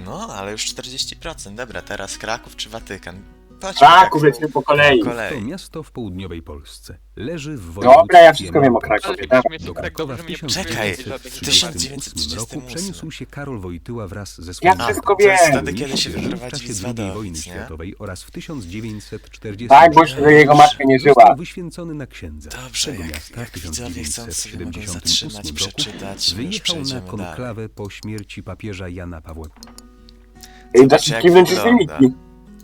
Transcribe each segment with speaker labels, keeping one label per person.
Speaker 1: No, ale już 40%. Dobra, teraz Kraków czy Watykan? Chodźmy
Speaker 2: Kraków, lecimy po kolei.
Speaker 3: To miasto w południowej Polsce. Leży w
Speaker 2: Dobra, ja
Speaker 3: województwie
Speaker 2: wszystko wiem o
Speaker 3: małopolskim.
Speaker 2: Krakowie.
Speaker 4: Ale
Speaker 2: Dawaj.
Speaker 4: mnie
Speaker 3: Do
Speaker 4: tak
Speaker 3: Krakowa
Speaker 4: dobrze
Speaker 3: w
Speaker 4: mnie
Speaker 1: Czekaj, w
Speaker 3: 1938 roku
Speaker 1: 1938.
Speaker 3: przeniósł się Karol Wojtyła wraz ze
Speaker 2: Ja
Speaker 3: swoimi
Speaker 2: wszystko
Speaker 1: to jest
Speaker 2: wiem.
Speaker 1: wtedy, kiedy się
Speaker 3: w
Speaker 1: wyprowadzili z
Speaker 3: czasie II wojny
Speaker 1: Wadowic, nie?
Speaker 3: światowej oraz w 1940
Speaker 2: Tak, bo jeszcze jego matka nie żyła.
Speaker 3: został wyświęcony na księdza.
Speaker 1: Dobrze,
Speaker 3: Tego
Speaker 1: jak,
Speaker 3: miasta
Speaker 1: jak
Speaker 3: w
Speaker 1: widzowie chcą sobie mogą
Speaker 3: 1978
Speaker 1: zatrzymać,
Speaker 3: roku
Speaker 1: przeczytać, my już
Speaker 3: wyjechał na
Speaker 1: przejdziemy dalej.
Speaker 3: konklawę po śmierci papieża Jana Pawła.
Speaker 1: Zobacz, jak
Speaker 2: Kiwnąć z
Speaker 1: wygląda.
Speaker 2: wyniki.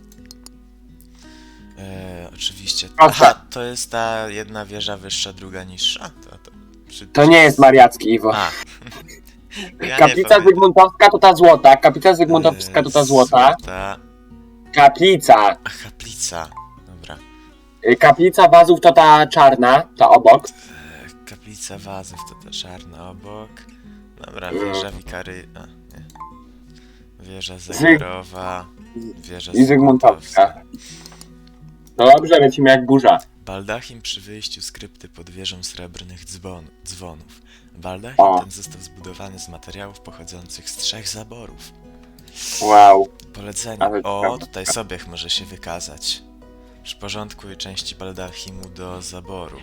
Speaker 1: Oczywiście.
Speaker 2: Proszę.
Speaker 1: Aha, to jest ta jedna wieża wyższa, druga niższa?
Speaker 2: To nie jest mariacki, Iwo.
Speaker 1: A. Ja
Speaker 2: Kaplica Zygmuntowska to ta złota. Kaplica Zygmuntowska to ta złota. Kaplica.
Speaker 1: A kaplica. Dobra.
Speaker 2: Kaplica Wazów to ta czarna, ta obok.
Speaker 1: Kaplica Wazów to ta czarna obok. Dobra, wieża Wikary... A, nie. Wieża Zegarowa. Wieża
Speaker 2: I Zygmuntowska. No dobrze, lecimy jak burza.
Speaker 1: Baldachim przy wyjściu z krypty pod wieżą srebrnych dzwonów. Baldachim
Speaker 2: O.
Speaker 1: ten został zbudowany z materiałów pochodzących z 3 zaborów.
Speaker 2: Wow.
Speaker 1: Polecenie.
Speaker 2: Ale
Speaker 1: O,
Speaker 2: prawda.
Speaker 1: tutaj Sobiech może się wykazać. Przyporządkuj części Baldachimu do zaboru.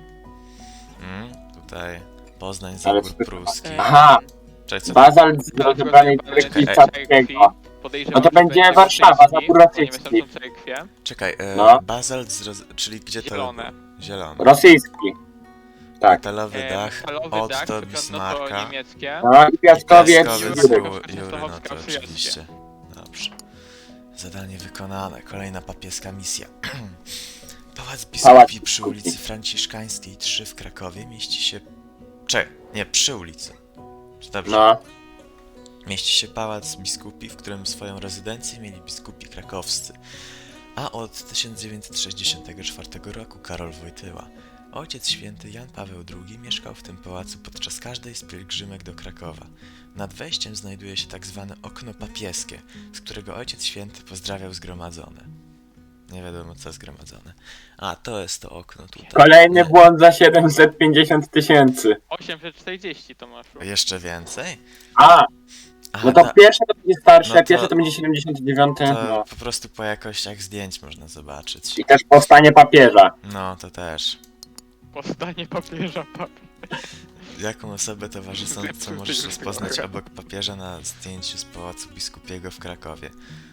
Speaker 1: Tutaj Poznań,
Speaker 2: Ale
Speaker 1: zabór
Speaker 2: to-
Speaker 1: pruski.
Speaker 2: Aha,
Speaker 1: Cześć, co?
Speaker 2: bazalt z rozebranej krwi Czackiego. No to będzie Warszawa, zabór rosyjski.
Speaker 1: Czekaj,
Speaker 2: No.
Speaker 1: bazalt czyli gdzie to?
Speaker 4: Zielone.
Speaker 1: Zielony.
Speaker 2: Rosyjski. Tak.
Speaker 1: Metalowy dach, Otto Bismarcka.
Speaker 4: niemieckie.
Speaker 2: No i Piaskowiec.
Speaker 1: Piaskowiec,
Speaker 2: Jurek.
Speaker 1: Jury, no to oczywiście. Dobrze. Zadanie wykonane. Kolejna papieska misja. Pałac Biskupi przy ulicy Franciszkańskiej 3 w Krakowie mieści się... nie, przy ulicy. Czy dobrze?
Speaker 2: No.
Speaker 1: Mieści się Pałac Biskupi, w którym swoją rezydencję mieli biskupi krakowscy. A od 1964 roku Karol Wojtyła. Ojciec Święty Jan Paweł II mieszkał w tym pałacu podczas każdej z pielgrzymek do Krakowa. Nad wejściem znajduje się tak zwane okno papieskie, z którego Ojciec Święty pozdrawiał zgromadzone. Nie wiadomo co zgromadzone. A, to jest to okno tutaj.
Speaker 2: Kolejny błąd za 750 000.
Speaker 4: 840 to masz.
Speaker 1: Jeszcze więcej?
Speaker 2: A,
Speaker 1: Aha,
Speaker 2: no to pierwsze to będzie starsze,
Speaker 1: no to-
Speaker 2: pierwsze to będzie 79.
Speaker 1: to
Speaker 2: No.
Speaker 1: po prostu po jakościach zdjęć można zobaczyć.
Speaker 2: I też powstanie papieża.
Speaker 1: No, to też.
Speaker 4: Powstanie papieża
Speaker 1: Jaką osobę towarzyszącą możesz rozpoznać obok papieża na zdjęciu z Pałacu Biskupiego w Krakowie?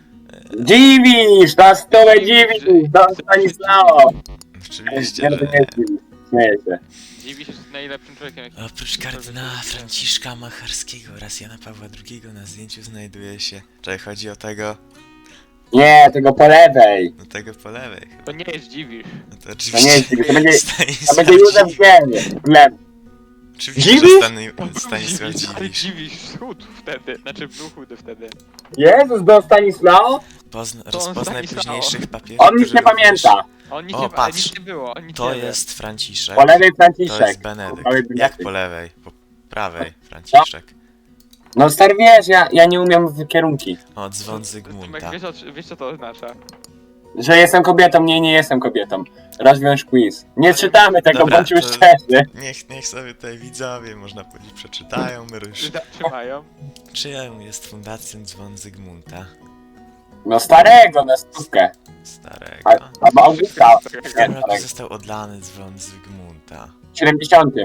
Speaker 2: Dziwisz! Na stole dziwisz! Don Stanislao!
Speaker 1: Oczywiście,
Speaker 2: Nie, to nie
Speaker 1: że
Speaker 2: jest dziwisz. Śmieję się.
Speaker 4: Dziwi się, że najlepszym człowiekiem. jaki-
Speaker 1: oprócz kardynała Franciszka Macharskiego oraz Jana Pawła II na zdjęciu znajduje się... Czy chodzi o tego?
Speaker 2: Nie, tego po lewej.
Speaker 1: No tego po lewej chyba.
Speaker 4: To nie jest dziwisz.
Speaker 1: No to
Speaker 2: To
Speaker 1: oczywiście...
Speaker 2: nie jest dziwisz, to będzie
Speaker 1: Stanisław
Speaker 2: Józef
Speaker 1: Dziwisz.
Speaker 2: Gleb.
Speaker 1: Oczywiście, że
Speaker 2: Dziwisz?
Speaker 1: Stanisław
Speaker 4: Ale
Speaker 1: Dziwisz.
Speaker 4: dziwisz schudł wtedy. Znaczy był chudy wtedy.
Speaker 2: Jezus, Don Stanislao?
Speaker 1: Rozpoznaj
Speaker 4: Stanisław.
Speaker 1: późniejszych papieżów,
Speaker 2: On nic
Speaker 1: którzy
Speaker 2: nie
Speaker 1: również-
Speaker 2: pamięta.
Speaker 4: On nic,
Speaker 1: O,
Speaker 4: nie,
Speaker 1: patrz.
Speaker 4: nic nie było. On nic
Speaker 1: To
Speaker 4: nie wie.
Speaker 1: jest Franciszek.
Speaker 2: Po lewej
Speaker 1: To
Speaker 2: Franciszek.
Speaker 1: jest Benedykt.
Speaker 2: Po prawej
Speaker 1: Jak
Speaker 2: Benedykt.
Speaker 1: po lewej? Po prawej Franciszek.
Speaker 2: No stary wiesz, ja nie umiem w kierunki.
Speaker 1: O, dzwon Zygmunta.
Speaker 4: Wiesz co to oznacza?
Speaker 2: Że jestem kobietą, nie jestem kobietą. Rozwiąż quiz. Nie czytamy tego,
Speaker 1: Dobra,
Speaker 2: bądźmy
Speaker 1: to-
Speaker 2: szczerzy.
Speaker 1: Niech sobie tutaj widzowie, można powiedzieć, przeczytają ryż.
Speaker 4: Zatrzymają.
Speaker 1: Czyją jest fundacją dzwon Zygmunta?
Speaker 2: No starego, na stówkę.
Speaker 1: Starego.
Speaker 2: Albo Augusta.
Speaker 1: W
Speaker 2: Nie,
Speaker 1: którym roku
Speaker 2: starego.
Speaker 1: został odlany dzwon Zygmunta?
Speaker 2: W 70.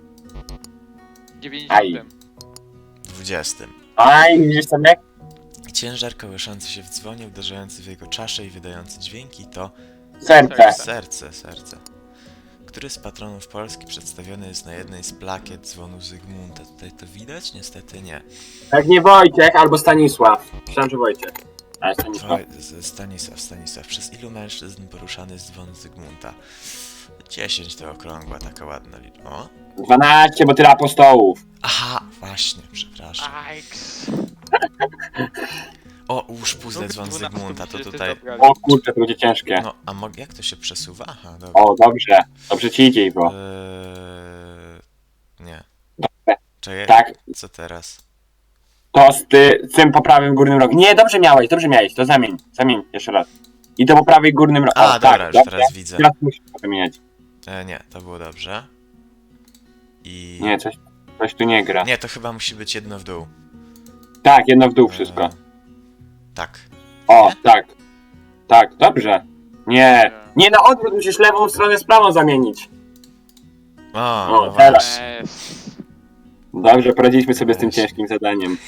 Speaker 4: 90.
Speaker 1: 20.
Speaker 2: Aj, widzisz sobie?
Speaker 1: Ciężar kołyszący się w dzwonie, uderzający w jego czaszę i wydający dźwięki to
Speaker 2: Serce.
Speaker 1: serce. Który z patronów Polski przedstawiony jest na jednej z plakiet dzwonu Zygmunta? Tutaj to widać? Niestety nie.
Speaker 2: Pewnie Wojciech albo Stanisław. Myślałem, że Wojciech. Ale Stanisław.
Speaker 1: Stanisław. Przez ilu mężczyzn poruszany jest dzwon Zygmunta? 10 to okrągła, taka ładna liczba. O?
Speaker 2: 12, bo tyle apostołów.
Speaker 1: Aha, właśnie, przepraszam.
Speaker 4: Ajks.
Speaker 1: O, ułóż puzzle dzwon Zygmunta, to tutaj...
Speaker 2: O kurczę, to będzie ciężkie.
Speaker 1: No, a jak to się przesuwa? Aha, dobra.
Speaker 2: O, dobrze. Dobrze ci idzie, Iwo.
Speaker 1: Nie. Czekaj,
Speaker 2: Tak.
Speaker 1: co teraz?
Speaker 2: To z tym po prawym górnym rogu. Nie, dobrze miałeś, to zamień. Zamień jeszcze raz. I to po prawej górnym rogu.
Speaker 1: A, dobra, już
Speaker 2: dobrze.
Speaker 1: teraz widzę.
Speaker 2: Teraz musisz to wymieniać.
Speaker 1: Nie, to było dobrze. I...
Speaker 2: Nie, coś tu nie gra.
Speaker 1: Nie, to chyba musi być jedno w dół.
Speaker 2: Tak, jedno w dół wszystko.
Speaker 1: Tak.
Speaker 2: O, tak. Tak, dobrze. Nie. Nie na odwrót, musisz lewą stronę z prawą zamienić.
Speaker 1: O,
Speaker 2: O,
Speaker 1: no
Speaker 2: teraz.
Speaker 1: właśnie.
Speaker 2: Dobrze, poradziliśmy sobie z tym
Speaker 1: Weź.
Speaker 2: ciężkim zadaniem.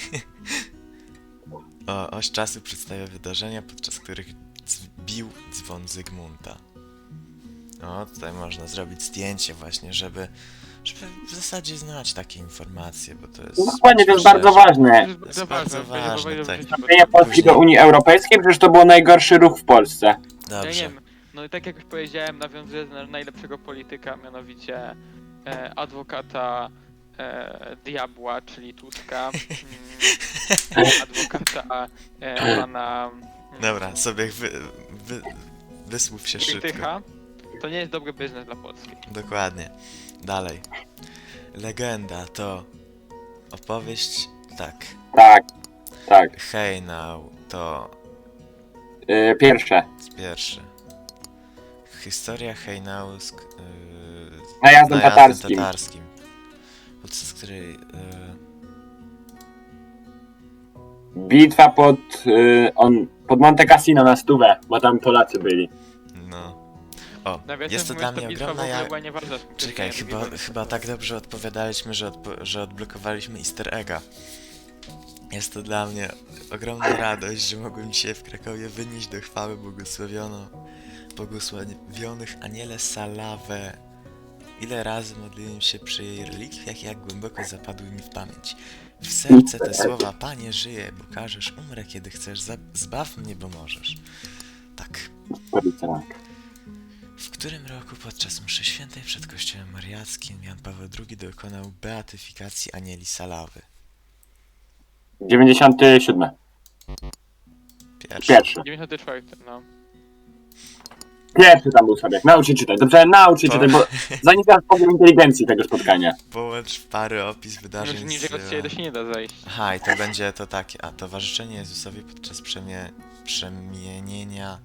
Speaker 1: Oś czasu przedstawia wydarzenia, podczas których bił dzwon Zygmunta. O, tutaj można zrobić zdjęcie właśnie, żeby w zasadzie znać takie informacje, bo to jest...
Speaker 2: No dokładnie, to jest
Speaker 1: rzecz.
Speaker 2: bardzo ważne.
Speaker 4: To jest
Speaker 1: jest bardzo ważne, tak.
Speaker 2: Wstąpienie Polski do Unii Europejskiej, przecież to był najgorszy ruch w Polsce.
Speaker 4: Ja nie
Speaker 1: Dobrze.
Speaker 4: wiem, no i tak jak już powiedziałem, nawiązuję do najlepszego polityka, mianowicie adwokata diabła, czyli Tuska, adwokata pana
Speaker 1: Dobra, sobie wysłów się szybko.
Speaker 4: Wojtycha. To nie jest dobry biznes dla Polski.
Speaker 1: Dokładnie. Dalej. Legenda to opowieść, tak.
Speaker 2: Tak, tak.
Speaker 1: Hejnał to
Speaker 2: Pierwsze.
Speaker 1: pierwszy. Historia Hejnału
Speaker 2: Najazdem tatarskim.
Speaker 1: tatarskim. Podczas której
Speaker 2: Bitwa pod Monte Cassino na stówę, bo tam Polacy byli.
Speaker 1: no. O,
Speaker 4: Nawiasem
Speaker 1: jest to
Speaker 4: mówiąc,
Speaker 1: dla
Speaker 4: ta
Speaker 1: mnie
Speaker 4: bitwa w
Speaker 1: ogromna
Speaker 4: ogóle była nieważna z punktu
Speaker 1: Czekaj,
Speaker 4: widzenia
Speaker 1: chyba tak dobrze odpowiadaliśmy, że odblokowaliśmy easter egga. Jest to dla mnie ogromna radość, że mogłem dzisiaj w Krakowie wynieść do chwały błogosławionych Aniele Salawę. Ile razy modliłem się przy jej relikwiach, jak głęboko zapadły mi w pamięć. W serce te słowa: Panie, żyję, bo każesz, umrę kiedy chcesz, zbaw mnie, bo możesz. Tak. W którym roku podczas mszy świętej przed kościołem mariackim Jan Paweł II dokonał beatyfikacji Anieli Salawy?
Speaker 2: 97.
Speaker 1: Pierwszy.
Speaker 2: Pierwszy.
Speaker 4: 94, no.
Speaker 2: Pierwszy tam był sobie. Naucz się czytać. Dobrze, naucz się
Speaker 1: To-
Speaker 2: czytać, bo zanim teraz powiem inteligencji tego spotkania.
Speaker 1: Połącz w pary opis
Speaker 4: Już
Speaker 1: wydarzeń
Speaker 4: niżej od siebie to się nie da zejść.
Speaker 1: Aha, i to będzie to takie, a towarzyszenie Jezusowi podczas przemienienia...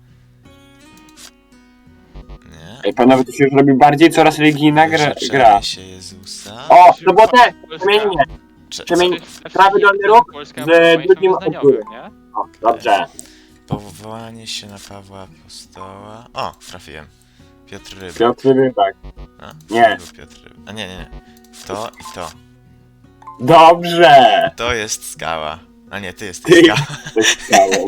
Speaker 1: Nie?
Speaker 2: Ej, panowie, to się już robi bardziej coraz religijna gra.
Speaker 1: Wyrzeczenie się Jezusa...
Speaker 2: O, to było te!
Speaker 4: Polska-
Speaker 2: Przemienienie.
Speaker 1: Cze-
Speaker 2: przemień-
Speaker 4: Znaczy,
Speaker 2: prawy dolny róg
Speaker 4: Polska
Speaker 2: z
Speaker 4: ma państwo
Speaker 2: drugim
Speaker 4: wyznaniowym,
Speaker 2: odpływem.
Speaker 4: nie?
Speaker 2: O, dobrze.
Speaker 1: Powołanie się na Pawła Apostoła... O, trafiłem. Piotr Ryba.
Speaker 2: Piotr Rybak.
Speaker 1: A,
Speaker 2: Nie.
Speaker 1: to był Piotr Ryba. A nie. W to i to.
Speaker 2: Dobrze!
Speaker 1: To jest skała. A nie, ty jesteś
Speaker 2: Ty.
Speaker 1: skała.
Speaker 2: To jest skałą.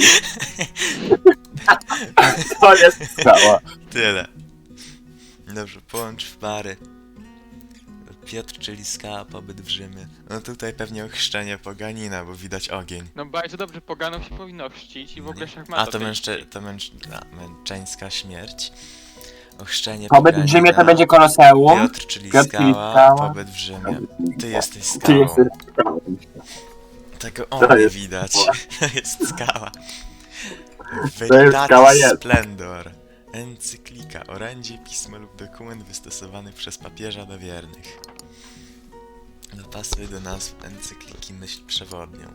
Speaker 2: To jest skała.
Speaker 1: Tyle. Dobrze, połącz w pary. Piotr, czyli skała, pobyt w Rzymie. No tutaj pewnie ochrzczenie poganina, bo widać ogień.
Speaker 4: No bardzo dobrze, poganom się powinno chrzcić i w ogóle szachmata.
Speaker 1: A to
Speaker 4: tej-
Speaker 1: męczeńska śmierć. Ochrzczenie
Speaker 2: Pobyt w Rzymie to
Speaker 1: poganina.
Speaker 2: będzie Koloseum.
Speaker 1: Piotr, czyli
Speaker 2: Piotr, czyli
Speaker 1: skała,
Speaker 2: skała.
Speaker 1: pobyt w Rzymie. Ty jesteś
Speaker 2: Ty
Speaker 1: skałą.
Speaker 2: jesteś skałą.
Speaker 1: Tego
Speaker 2: To
Speaker 1: o nie
Speaker 2: jest
Speaker 1: widać.
Speaker 2: skała.
Speaker 1: To jest skała.
Speaker 2: To jest skała,
Speaker 1: Veritatis
Speaker 2: jest.
Speaker 1: Splendor. Encyklika, orędzie, pismo lub dokument wystosowany przez papieża do wiernych. Dopasuj do nazw encykliki myśl przewodnią.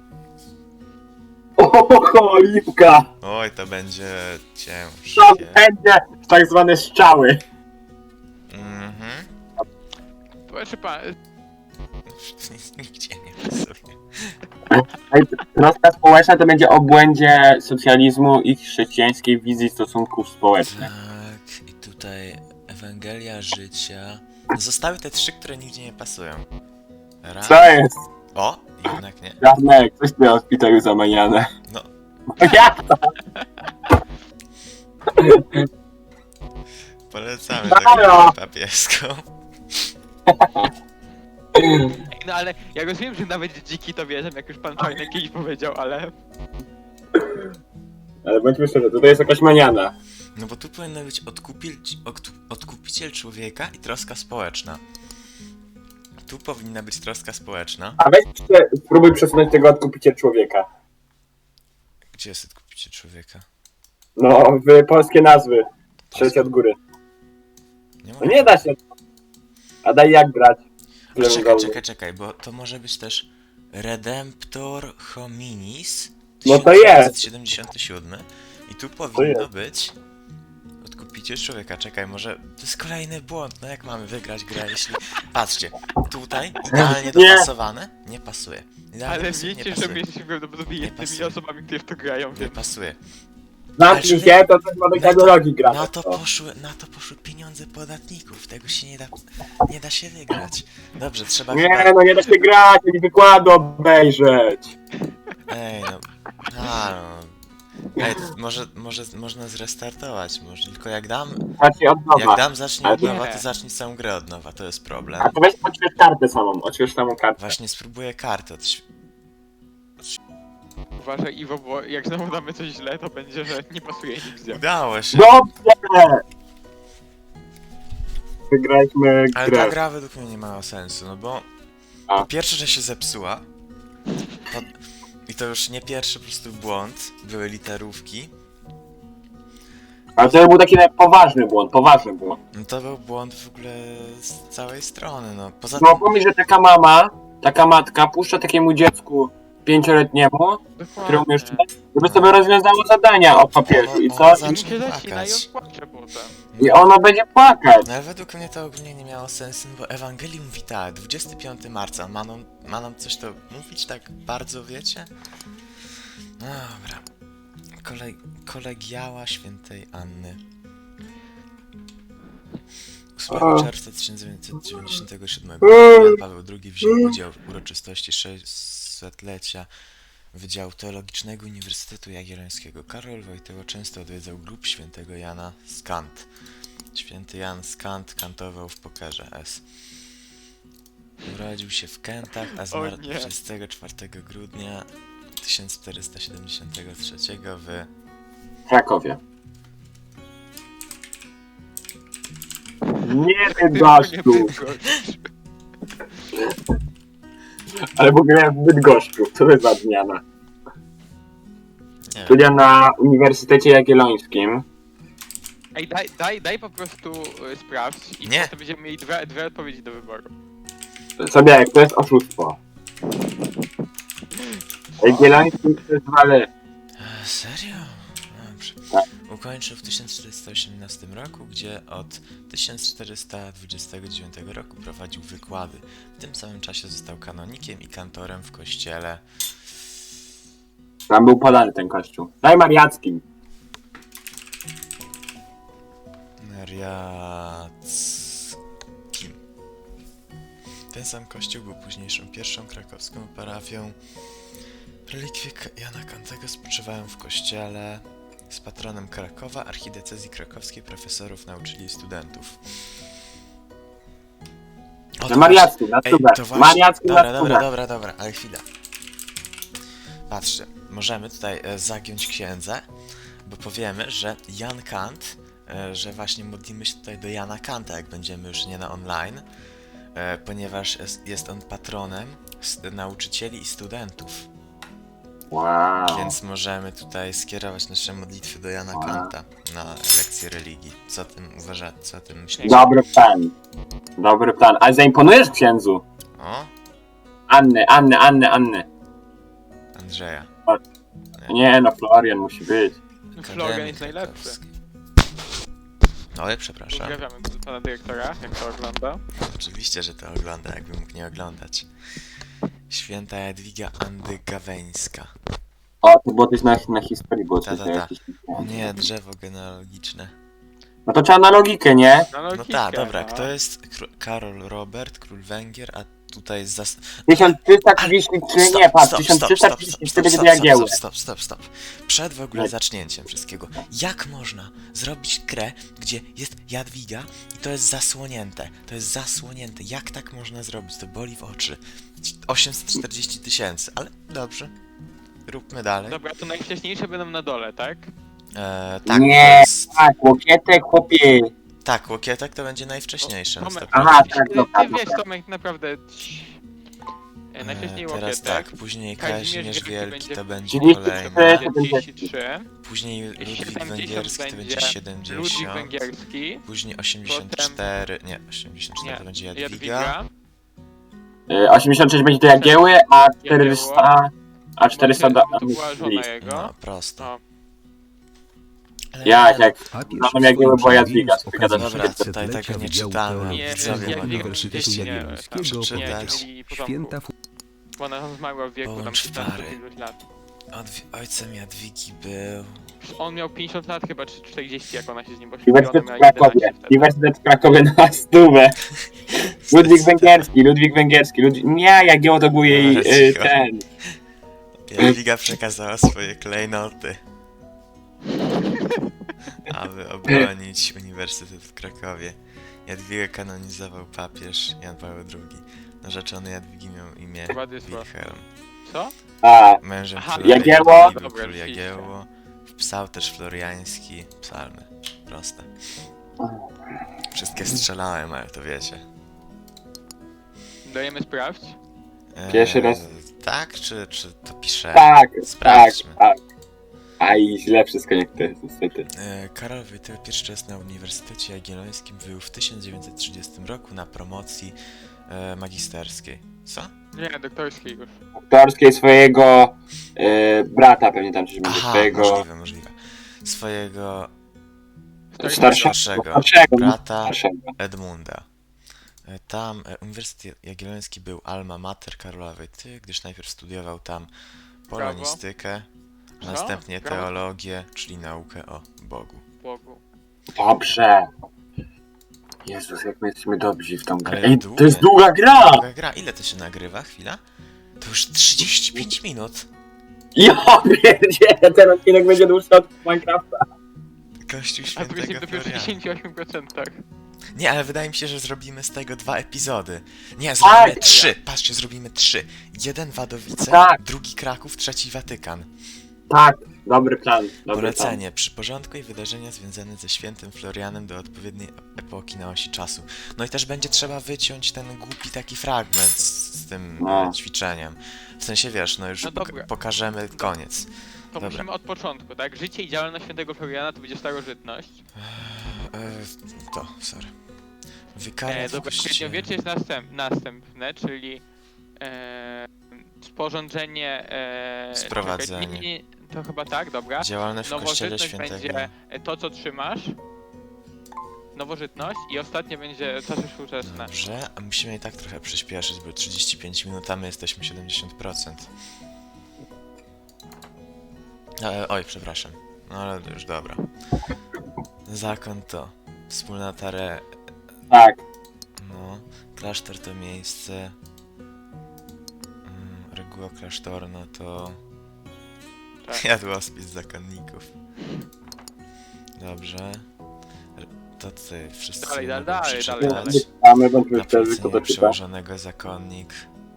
Speaker 2: O, cholipka!
Speaker 1: Oj, to będzie
Speaker 2: To
Speaker 1: ciężkie.
Speaker 2: będzie tak zwane strzały.
Speaker 1: Mhm.
Speaker 4: Proszę pan,
Speaker 1: Nigdzie nie pasuje.
Speaker 2: Ej, troska społeczna to będzie o błędzie socjalizmu i chrześcijańskiej wizji stosunków społecznych.
Speaker 1: Tak, i tutaj Ewangelia życia. No zostały te trzy, które nigdzie nie pasują. Raz.
Speaker 2: Co jest?
Speaker 1: O, jednak nie.
Speaker 2: Janek, coś tu w szpitalu zamaniane.
Speaker 1: No.
Speaker 2: Jak to?
Speaker 1: Polecamy
Speaker 2: Halo!
Speaker 1: taką papieską.
Speaker 4: no ale ja rozumiem, że nawet dziki to wierzą, jak już pan Czarny kiedyś powiedział, ale...
Speaker 2: Ale bądźmy szczerzy, tutaj jest jakaś maniana.
Speaker 1: No bo tu powinno być odkupiciel człowieka i troska społeczna. Tu powinna być troska społeczna.
Speaker 2: A weź jeszcze spróbuj przesunąć tego odkupiciel człowieka.
Speaker 1: Gdzie jest odkupiciel człowieka?
Speaker 2: No, w polskie nazwy. Trzeć od góry.
Speaker 1: Nie
Speaker 2: No nie da się. A daj jak grać.
Speaker 1: Czekaj, bo to może być też Redemptor Hominis
Speaker 2: No to jest.
Speaker 1: 1977 i tu powinno być piciu człowieka. Czekaj, może to jest kolejny błąd. No jak mamy wygrać grę, jeśli... Patrzcie, tutaj idealnie
Speaker 2: Nie.
Speaker 1: dopasowane, nie pasuje. Idealnie
Speaker 4: Ale
Speaker 1: pasuje, nie
Speaker 4: wiecie, że
Speaker 1: pasuje.
Speaker 4: my jesteśmy prawdopodobnie
Speaker 1: Nie
Speaker 4: jedynymi
Speaker 1: pasuje.
Speaker 4: osobami, które w to grają,
Speaker 1: Nie
Speaker 4: więc...
Speaker 1: pasuje.
Speaker 2: Zamknij się, to coś ma do kadrologii gra.
Speaker 1: Na to poszły pieniądze podatników. Tego się nie da się wygrać. Dobrze, trzeba
Speaker 2: Nie,
Speaker 1: chyba...
Speaker 2: no nie da się grać, ani wykładu obejrzeć.
Speaker 1: Ej, no... no... Ej, można zrestartować, może tylko jak dam
Speaker 2: Zacznij od nowa.
Speaker 1: zacznie
Speaker 2: Ale
Speaker 1: od nowa,
Speaker 4: nie.
Speaker 1: to zacznij całą grę od nowa, to jest problem.
Speaker 2: A to weź odśwież kartę samą, odśwież samą kartę.
Speaker 1: Właśnie spróbuję kartę
Speaker 4: Uważaj, Iwo, bo jak znowu damy coś źle, to będzie, że nie pasuje nigdzie.
Speaker 1: Udało się!
Speaker 2: Dobrze! Wygraliśmy
Speaker 1: Ale ta
Speaker 2: grę.
Speaker 1: gra według mnie nie ma sensu, no bo...
Speaker 2: A.
Speaker 1: Po pierwsze, że się zepsuła. I to już nie pierwszy po prostu błąd, były literówki.
Speaker 2: Ale to był taki poważny błąd,
Speaker 1: No to był błąd w ogóle z całej strony, no. Poza
Speaker 2: No
Speaker 1: tym...
Speaker 2: pomyśl, że taka mama, taka matka puszcza takiemu dziecku 5-letniemu, któremu jeszcze, żeby sobie rozwiązało zadania o papierze i co?
Speaker 1: Ono
Speaker 4: I
Speaker 1: zacznie
Speaker 4: się zacina i
Speaker 1: płakać.
Speaker 4: on płacze potem.
Speaker 2: I ono będzie płakać.
Speaker 1: No ale według mnie to ogólnie nie miało sensu, no bo Ewangelii mówi tak, 25 marca, ma nam coś to mówić tak bardzo, wiecie? No dobra. Kolegiała świętej Anny. 8 czerwca 1997 roku Jan Paweł II wziął udział w uroczystości 600-lecia Wydziału Teologicznego Uniwersytetu Jagiellońskiego. Karol Wojtyła często odwiedzał grób świętego Jana z Kant. Święty Jan z Kant kantował w pokerze S. Urodził się w Kętach, a zmarł
Speaker 4: nie.
Speaker 1: 24 grudnia 1473 w...
Speaker 2: W Krakowie. Nie wiem, gościu, ale w ogóle w Bydgoszczu. Co to jest za zmiana?
Speaker 1: Nie wiem.
Speaker 2: Studia na Uniwersytecie Jagiellońskim.
Speaker 4: Ej, daj po prostu sprawdź i
Speaker 1: Nie.
Speaker 4: potem będziemy mieli dwie odpowiedzi do wyboru.
Speaker 2: Sobie, jak to jest oszustwo. Jagielloński to jest wale.
Speaker 1: Serio? Dobrze.
Speaker 2: Tak.
Speaker 1: Ukończył w 1418 roku, gdzie od 1429 roku prowadził wykłady. W tym samym czasie został kanonikiem i kantorem w kościele.
Speaker 2: Tam był podany ten kościół. Daj Mariackim.
Speaker 1: Mariackim. Ten sam kościół był późniejszą pierwszą krakowską parafią. Relikwie Jana Kantego spoczywają w kościele. Z patronem Krakowa, archidiecezji krakowskiej, profesorów, nauczyli i studentów. O,
Speaker 2: Na Mariackim, na
Speaker 1: Ej,
Speaker 2: stubę.
Speaker 1: to właśnie...
Speaker 2: Mariackim na
Speaker 1: Dobra, ale chwila. Patrzcie, możemy tutaj zagiąć księdze, bo powiemy, że Jan Kant, że właśnie modlimy się tutaj do Jana Kanta, jak będziemy już nie na online, ponieważ jest on patronem nauczycieli i studentów.
Speaker 2: Wow.
Speaker 1: Więc możemy tutaj skierować nasze modlitwy do Jana Kanta na lekcję religii. Co o tym uważacie? Co o tym myślicie?
Speaker 2: Dobry plan. Dobry plan. Ale zaimponujesz księdzu.
Speaker 1: O,
Speaker 2: Anny.
Speaker 1: Andrzeja.
Speaker 2: Nie no, Florian musi być.
Speaker 4: Florian jest najlepszy.
Speaker 1: Oj, przepraszam.
Speaker 4: Pozdrawiamy pana dyrektora, jak to ogląda.
Speaker 1: Oczywiście, że to ogląda, jakby mógł nie oglądać. Święta Jadwiga Andygaweńska.
Speaker 2: O, to było coś na historii, było coś
Speaker 1: Ta.
Speaker 2: jakieś...
Speaker 1: O nie, drzewo genealogiczne.
Speaker 2: No to trzeba na logikę, nie?
Speaker 1: No tak, dobra, kto jest Karol Robert, król Węgier, a tutaj jest
Speaker 2: 1333, nie patrz, 1333 będzie do Jagieły.
Speaker 1: Stop. Przed w ogóle zacznięciem wszystkiego. Jak można zrobić grę, gdzie jest Jadwiga i to jest zasłonięte? To jest zasłonięte. Jak tak można zrobić? To boli w oczy. 840 000, ale dobrze. Róbmy dalej.
Speaker 4: Dobra, to najwcześniejsze będą na dole, tak?
Speaker 1: Tak,
Speaker 2: Nie,
Speaker 1: to jest...
Speaker 2: tak, łokietek, chłopie.
Speaker 1: Tak, łokietek to będzie najwcześniejsze.
Speaker 4: Tomek,
Speaker 2: Aha,
Speaker 4: ty,
Speaker 2: tak,
Speaker 4: ty,
Speaker 2: dobra,
Speaker 4: ty wiesz,
Speaker 2: dobra.
Speaker 4: Tomek, naprawdę... Najwcześniej
Speaker 1: Teraz
Speaker 4: łokietek.
Speaker 1: tak, później Kazimierz Wielki to będzie
Speaker 2: 33,
Speaker 1: kolejny.
Speaker 4: 33.
Speaker 1: Później Ludwik
Speaker 4: 70
Speaker 1: Węgierski to będzie
Speaker 4: będzie
Speaker 1: 70.
Speaker 4: Ludwik Węgierski.
Speaker 1: Później 84, nie, 84 to będzie Jadwiga.
Speaker 2: 86 będzie do Jagieły, a 400... A 400 do...
Speaker 4: To była żona jego.
Speaker 1: No, prosto.
Speaker 4: No.
Speaker 1: Ale
Speaker 2: Jak
Speaker 3: Papież
Speaker 2: znam Jagiełło,
Speaker 3: w
Speaker 2: bo
Speaker 3: swoim
Speaker 2: Jadwiga,
Speaker 3: przemówieniu z
Speaker 2: co gadasz?
Speaker 3: okazji
Speaker 1: Dobra, tutaj
Speaker 3: 500-lecia
Speaker 1: tego nie
Speaker 3: Wydziału
Speaker 1: czytamy.
Speaker 3: Teologii
Speaker 4: Nie,
Speaker 1: Widzowie
Speaker 4: jak
Speaker 1: mogą
Speaker 3: Uniwersytetu
Speaker 4: nie,
Speaker 3: Jagiellońskiego
Speaker 1: przeczytać.
Speaker 3: powiedział,
Speaker 4: mieli potomków,
Speaker 3: święta
Speaker 4: bo ona zmarła w wieku tam
Speaker 1: Połącz
Speaker 4: 15
Speaker 1: pary.
Speaker 4: iluś lat.
Speaker 1: Ojcem Jadwigi był...
Speaker 4: On miał 50 lat chyba, czy 40, jak ona się z nim poślubiła, ona
Speaker 2: Uniwersytet w
Speaker 4: miała 11
Speaker 2: Krakowie.
Speaker 4: wtedy.
Speaker 2: Uniwersytet w Krakowie na stówę. Ludwik Węgierski. Nie, Jagiełło to był jej
Speaker 1: Cicho.
Speaker 2: ten.
Speaker 1: Jadwiga przekazała swoje klejnoty, aby obronić Uniwersytet w Krakowie. Jadwigę kanonizował papież Jan Paweł II. Narzeczony Jadwigi miał imię
Speaker 4: Władysław.
Speaker 1: Wilhelm.
Speaker 4: Co?
Speaker 2: A,
Speaker 1: Mężem
Speaker 4: Aha,
Speaker 1: króla
Speaker 2: Jagiełło.
Speaker 1: Jadwigi był
Speaker 4: Dobra,
Speaker 1: król
Speaker 4: oczywiście.
Speaker 1: Jagiełło. Wpisał też floriański psalmy. Proste. Wszystkie strzelałem, ale to wiecie.
Speaker 4: Dajemy sprawdź?
Speaker 2: Pierwszy raz.
Speaker 1: Tak, czy to pisze?
Speaker 2: tak,
Speaker 1: Sprawdźmy.
Speaker 2: tak. Aj, źle wszystko jak to jest, niestety.
Speaker 1: Karol Wojtyła pierwszy raz na Uniwersytecie Jagiellońskim był w 1930 roku na promocji magisterskiej. Co?
Speaker 4: Nie, doktorskiej już.
Speaker 2: Aktorskiej swojego brata pewnie tam coś będzie,
Speaker 1: Aha,
Speaker 2: swojego
Speaker 1: możliwe. Swojego
Speaker 2: starszego
Speaker 1: brata
Speaker 2: starszego.
Speaker 1: Edmunda. Tam Uniwersytet Jagielloński był alma mater Karola Wojtyły, gdyż najpierw studiował tam polonistykę,
Speaker 4: Co?
Speaker 1: następnie
Speaker 4: Brawo.
Speaker 1: teologię, czyli naukę o Bogu.
Speaker 4: Bogu.
Speaker 2: Dobrze. Jezus, jak my jesteśmy dobrzy w tą grę.
Speaker 1: Ale
Speaker 2: Ej,
Speaker 1: długa.
Speaker 2: to jest długa gra!
Speaker 1: Długa gra, ile to się nagrywa? Chwila? To już 35 minut.
Speaker 2: Ja pierdzielę, ten odcinek będzie dłuższy od Minecrafta.
Speaker 1: Kościół
Speaker 4: A tu jesteśmy
Speaker 1: Świętego
Speaker 4: dopiero w
Speaker 1: Floriana.
Speaker 4: 68%.
Speaker 1: Nie, ale wydaje mi się, że zrobimy z tego 2 epizody. Nie, zrobimy
Speaker 2: Tak.
Speaker 1: 3. Patrzcie, zrobimy 3. Jeden Wadowice,
Speaker 2: Tak.
Speaker 1: drugi Kraków, trzeci Watykan.
Speaker 2: Tak, dobry plan. Dobry plan.
Speaker 1: Polecenie. Przyporządkuj wydarzenia związane ze świętym Florianem do odpowiedniej epoki na osi czasu. No i też będzie trzeba wyciąć ten głupi taki fragment z tym
Speaker 2: No.
Speaker 1: ćwiczeniem. W sensie, wiesz, no już
Speaker 4: No dobra.
Speaker 1: pokażemy koniec.
Speaker 4: To
Speaker 1: Dobra.
Speaker 4: musimy od początku, tak? Życie i działalność świętego Floriana to będzie starożytność.
Speaker 1: Sorry. Wykaria w
Speaker 4: Dobra,
Speaker 1: kościele.
Speaker 4: średniowiecze jest następne, czyli sporządzenie...
Speaker 1: Sprowadzenie.
Speaker 4: czekaj, nie, to chyba tak, dobra.
Speaker 1: Działalność w kościele
Speaker 4: Nowożytność
Speaker 1: świętego.
Speaker 4: będzie to, co trzymasz. Nowożytność i ostatnie będzie czasy współczesne.
Speaker 1: Dobrze, a musimy i tak trochę przyspieszyć, bo 35 minut, a my jesteśmy 70%. Oj, przepraszam. No ale już dobra. Zakon to wspólnota
Speaker 2: Tak.
Speaker 1: no, klasztor to miejsce. Reguła klasztorna to
Speaker 4: Tak.
Speaker 1: jadłospis zakonników. Dobrze. To tutaj wszyscy
Speaker 4: Dalej,
Speaker 1: mogą
Speaker 4: dalej,
Speaker 1: przeczytać.
Speaker 2: Mamy bądźmy
Speaker 1: Na
Speaker 2: szczerzy, kto
Speaker 1: polecenie
Speaker 2: to czyta.
Speaker 1: przełożonego zakonnik.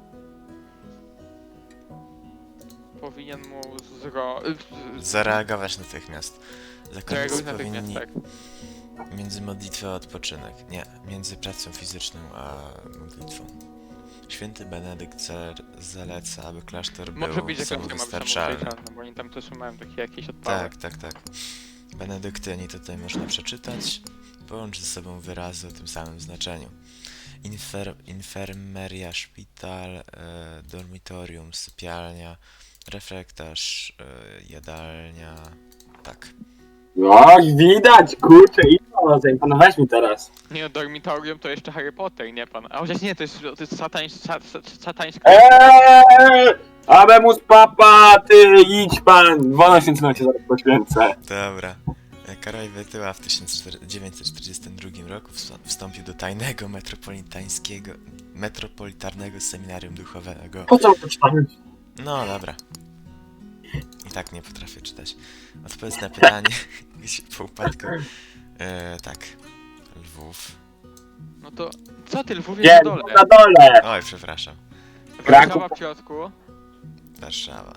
Speaker 4: Powinien mu
Speaker 1: Zareagować natychmiast. Zakonnicy
Speaker 4: zareagować natychmiast,
Speaker 1: powinni
Speaker 4: tak.
Speaker 1: między modlitwą a odpoczynek. Nie, między pracą fizyczną a modlitwą. Święty Benedykt zaleca, aby klasztor
Speaker 4: Może
Speaker 1: był
Speaker 4: być, że każdy ma być
Speaker 1: samowystarczalny.
Speaker 4: samowystarczalny, bo oni tam też mają takie jakieś odpały.
Speaker 1: Tak. Benedyktyni tutaj można przeczytać. Połącz ze sobą wyrazy o tym samym znaczeniu. Infermeria, szpital, dormitorium, sypialnia, refrektarz, jadalnia. Tak.
Speaker 2: No, widać, kurczę, i to, zaimponowałeś mi teraz.
Speaker 4: Nie no, dormitorium to jeszcze Harry Potter, nie pan. A chociaż nie, to jest satańska...
Speaker 2: Abemus papa, ty idź pan. 12 minut cię zaraz poświęcę.
Speaker 1: Dobra. Karol Wojtyła w 1942 roku wstąpił do tajnego metropolitarnego seminarium duchowego.
Speaker 2: Po co to czytamy?
Speaker 1: No dobra. I tak nie potrafię czytać. Odpowiedz na pytanie, gdzie po upadku. Tak. Lwów.
Speaker 4: No to... Co ty, Lwów jest
Speaker 2: Nie,
Speaker 4: na dole?
Speaker 2: na dole.
Speaker 1: Oj, przepraszam.
Speaker 4: Warszawa w środku.
Speaker 1: Warszawa.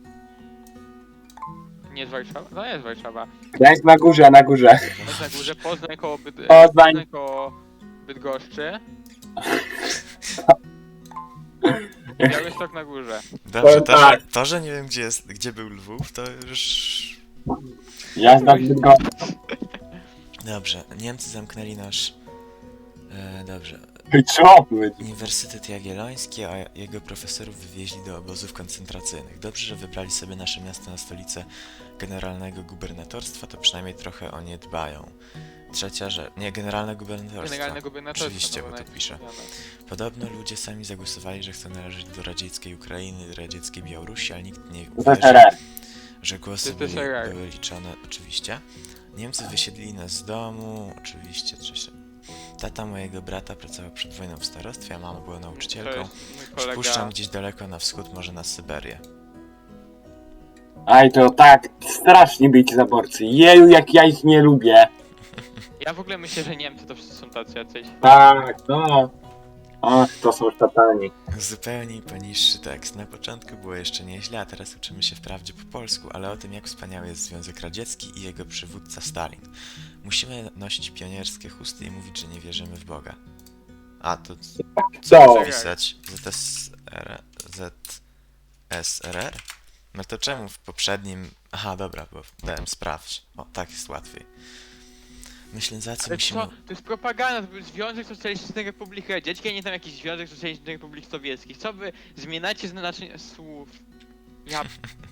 Speaker 4: Nie jest Warszawa? No jest Warszawa.
Speaker 2: Gdańsk na górze, na górze.
Speaker 4: Jest na górze, Poznań koło,
Speaker 2: Poznań.
Speaker 4: Poznań koło Bydgoszczy. I Białystok na górze.
Speaker 1: Dobrze,
Speaker 2: tak.
Speaker 1: to, że nie wiem gdzie był Lwów, to już...
Speaker 2: Jazda w Bydgoszczy.
Speaker 1: Dobrze, Niemcy zamknęli nasz... dobrze.
Speaker 2: Co powiedzieć?
Speaker 1: Uniwersytet Jagielloński, a jego profesorów wywieźli do obozów koncentracyjnych. Dobrze, że wybrali sobie nasze miasto na stolicę generalnego gubernatorstwa, to przynajmniej trochę o nie dbają. Trzecia rzecz, nie, generalne gubernatorstwa.
Speaker 4: Generalne gubernatorstwo.
Speaker 1: Oczywiście,
Speaker 4: to
Speaker 1: bo
Speaker 4: było
Speaker 1: tu piszę.
Speaker 4: najpierw
Speaker 1: Podobno ludzie sami zagłosowali, że chcą należeć do radzieckiej Ukrainy, do radzieckiej Białorusi, ale nikt nie uwierzył,
Speaker 2: ZSRR.
Speaker 1: że głosy
Speaker 4: To jest PSRR.
Speaker 1: były liczone, oczywiście. Niemcy wysiedlili nas z domu, oczywiście. Tata mojego brata pracował przed wojną w starostwie, a mama była
Speaker 4: To
Speaker 1: nauczycielką.
Speaker 4: jest mój kolega.
Speaker 1: Przypuszczam gdzieś daleko na wschód, może na Syberię.
Speaker 2: Aj, to tak, strasznie być zaborcy. Jeju, jak ja ich nie lubię.
Speaker 4: Ja w ogóle myślę, że Niemcy to wszyscy są tacy jacyś.
Speaker 2: Tak, no. Ach, to są szatani.
Speaker 1: Zupełnie poniższy tekst. Na początku było jeszcze nieźle, a teraz uczymy się wprawdzie po polsku, ale o tym, jak wspaniały jest Związek Radziecki i jego przywódca Stalin. Musimy nosić pionierskie chusty i mówić, że nie wierzymy w Boga. A, to
Speaker 2: Co?
Speaker 1: pisać? ZSRR? No to czemu w poprzednim... Aha, dobra, bo dałem sprawdź. O, tak jest łatwiej. Ślęzacy
Speaker 4: Ale
Speaker 1: musimy...
Speaker 4: co? To jest propaganda, to był Związek Socjalistycznych Republik Radzieckich, a nie tam jakiś Związek Socjalistycznych Republik Sowieckich. Co wy zmieniacie znaczenie słów? Ja...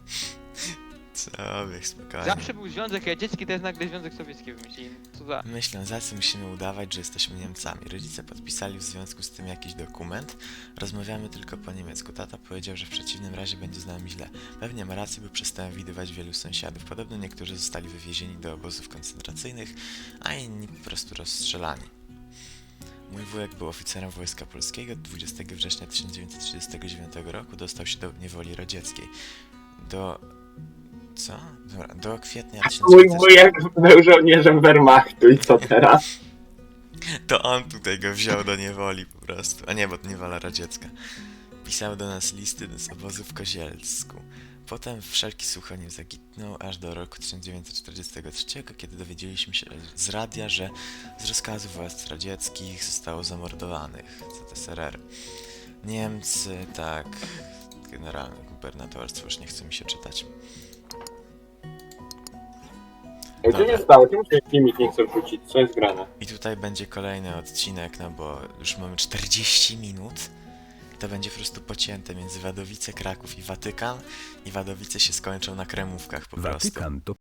Speaker 1: Co wy, spokojnie.
Speaker 4: Zawsze był Związek Radziecki, teraz nagle Związek Sowiecki wymyślili. Co za...
Speaker 1: My, Ślązacy, musimy udawać, że jesteśmy Niemcami. Rodzice podpisali w związku z tym jakiś dokument. Rozmawiamy tylko po niemiecku. Tata powiedział, że w przeciwnym razie będzie z nami źle. Pewnie ma rację, bo przestałem widywać wielu sąsiadów. Podobno niektórzy zostali wywiezieni do obozów koncentracyjnych, a inni po prostu rozstrzelani. Mój wujek był oficerem Wojska Polskiego. 20 września 1939 roku dostał się do niewoli radzieckiej. Co? Dobra, do kwietnia
Speaker 2: Mój
Speaker 1: 1940...
Speaker 2: wujek był żołnierzem Wehrmachtu i co teraz?
Speaker 1: To on tutaj go wziął do niewoli po prostu. A nie, bo to niewola radziecka. Pisał do nas listy z obozu w Kozielsku. Potem wszelki słuch o nim zaginął aż do roku 1943, kiedy dowiedzieliśmy się z radia, że z rozkazu władz radzieckich zostało zamordowanych ZSRR. Niemcy, tak, generalne gubernatorstwo, już nie chce mi się czytać.
Speaker 2: Co się stało? Czemu się filmik nie chce wrzucić? Co jest grane?
Speaker 1: I tutaj będzie kolejny odcinek, no bo już mamy 40 minut. To będzie po prostu pocięte między Wadowice, Kraków i Watykan. I Wadowice się skończą na Kremówkach po prostu.
Speaker 3: Watykan to